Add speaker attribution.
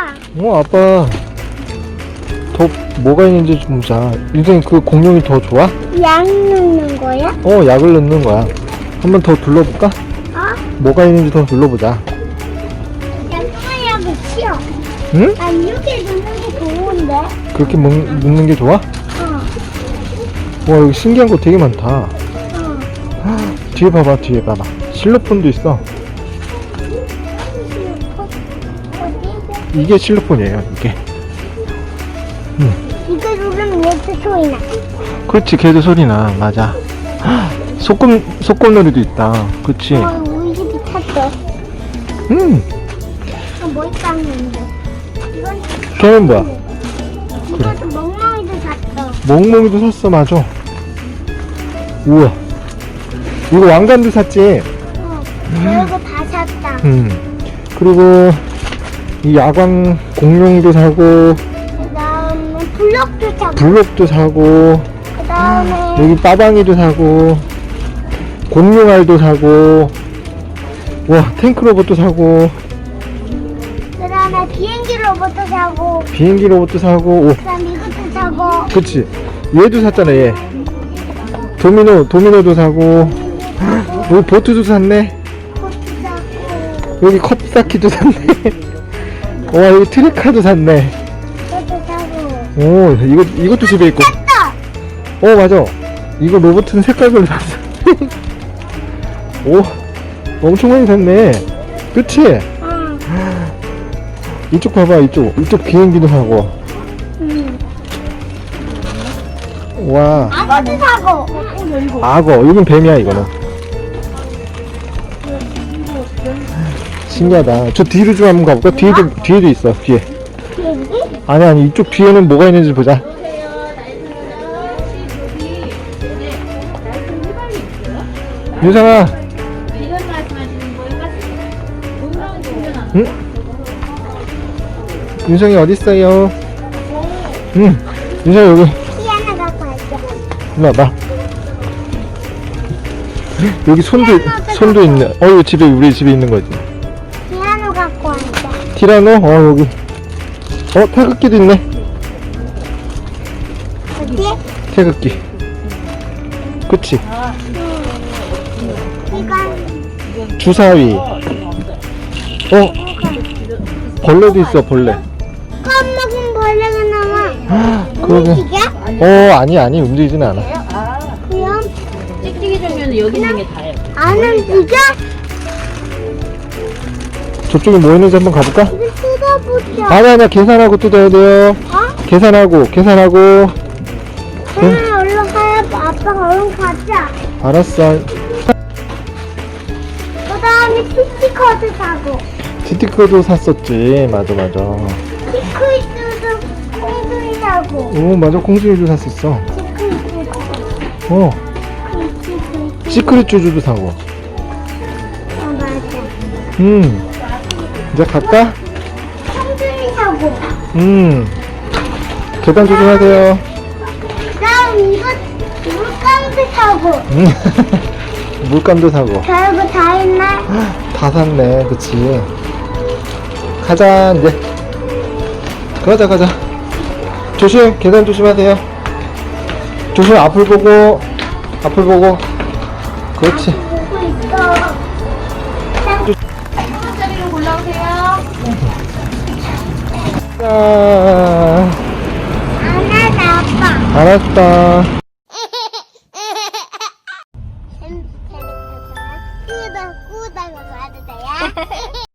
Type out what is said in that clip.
Speaker 1: 아빠 더 뭐가 있는지 좀 보자. 인생 그 공룡이 더 좋아?
Speaker 2: 약 넣는 거야?
Speaker 1: 약을 넣는 거야. 한번 더 둘러볼까? 뭐가 있는지 더 둘러보자.
Speaker 2: 양조장약을 치워.
Speaker 1: 응?
Speaker 2: 난 이렇게 넣는 게 좋은데.
Speaker 1: 그렇게 넣는 게 좋아? 와, 여기 신기한 거 되게 많다. 뒤에 봐봐, 뒤에 봐봐. 실로폰도 있어. 이게 실로폰이에요, 이게.
Speaker 2: 이거 누르면 얘도 소리 나.
Speaker 1: 그렇지, 걔도 소리 나. 맞아. 소꿉놀이도 있다. 그치?
Speaker 2: 우리 집이 탔어. 뭐 땄는데? 이건
Speaker 1: 걔는 뭐야?
Speaker 2: 이것도 멍멍이도 샀어.
Speaker 1: 멍멍이도 샀어, 맞아. 우와. 이거 왕관도 샀지?
Speaker 2: 그리고 다 샀다.
Speaker 1: 그리고 이 야광 공룡도 사고,
Speaker 2: 그 다음에 블럭도 사고.
Speaker 1: 블록도 사고,
Speaker 2: 그 다음에
Speaker 1: 여기 빠방이도 사고, 공룡알도 사고, 와, 탱크 로봇도 사고,
Speaker 2: 그 다음에 비행기 로봇도 사고.
Speaker 1: 비행기 로봇도 사고, 오,
Speaker 2: 그 다음에 이것도 사고.
Speaker 1: 그치. 얘도 샀잖아, 얘. 도미노도 사고, 여기 보트도 샀네.
Speaker 2: 그것도 사고.
Speaker 1: 여기 컵사키도 샀네. 와, 여기 트리카도 샀네.
Speaker 2: 그것도 사고.
Speaker 1: 오, 이것도 집에 있고.
Speaker 2: 샀다!
Speaker 1: 맞아. 이거 로봇은 색깔별로 샀어. 오, 엄청 많이 샀네. 그치?
Speaker 2: 응.
Speaker 1: 이쪽 봐봐, 이쪽 비행기도 사고. 와,
Speaker 2: 악어도 사고.
Speaker 1: 악어. 이건 뱀이야, 이거는. 신기하다. 저 뒤로 좀 한번 가볼까? 뒤에도 있어, 뒤에.
Speaker 2: 비행기?
Speaker 1: 아니, 이쪽 뒤에는 뭐가 있는지 보자. 윤상아. 응? 윤상이 어딨어요? 응. 윤상이 여기.
Speaker 2: 키 하나 갖고 왔어.
Speaker 1: 일로 와봐. 여기 손도 있네. 이거 우리 집에 있는 거지.
Speaker 2: 피아노 갖고 왔어.
Speaker 1: 티라노? 여기. 태극기도 있네.
Speaker 2: 어디?
Speaker 1: 태극기. 그치?
Speaker 2: 이건
Speaker 1: 주사위. 벌레도 있어, 벌레.
Speaker 2: 껌먹은 벌레가 나와.
Speaker 1: 그러게.
Speaker 2: 움직여?
Speaker 1: 아니, 움직이진 않아.
Speaker 2: 그럼
Speaker 3: 찍찍이 종류는 여기 있는 게 다예요.
Speaker 2: 안 움직여?
Speaker 1: 저쪽에 뭐 있는지 한번 가볼까?
Speaker 2: 이거 뜯어보자.
Speaker 1: 아니야, 계산하고 뜯어야 돼요. 계산하고.
Speaker 2: 그러면 얼른 가야 아빠가 얼른 가자.
Speaker 1: 알았어.
Speaker 2: 그 다음에 스티커도 사고.
Speaker 1: 스티커도 샀었지. 맞아.
Speaker 2: 스티커도 콩들이 사고.
Speaker 1: 맞아. 콩순이도 샀었어.
Speaker 2: 스티커도
Speaker 1: 시크릿 쭈주도 사고.
Speaker 2: 맞아.
Speaker 1: 이제 갈까?
Speaker 2: 콩들이 사고.
Speaker 1: 계단 조심하세요.
Speaker 2: 그다음 이거 물감도 사고.
Speaker 1: 물감도 사고.
Speaker 2: 별거 다 있네.
Speaker 1: 다 샀네. 그치. 가자, 이제. 가자. 조심, 계단 조심하세요. 조심, 앞을 보고. 그렇지.
Speaker 2: 보고 있어.
Speaker 3: 자리로 골라오세요.
Speaker 1: 자,
Speaker 2: 안 하다 아빠.
Speaker 1: 알았다.
Speaker 2: 재밌었어. 구독, 구독, 구독.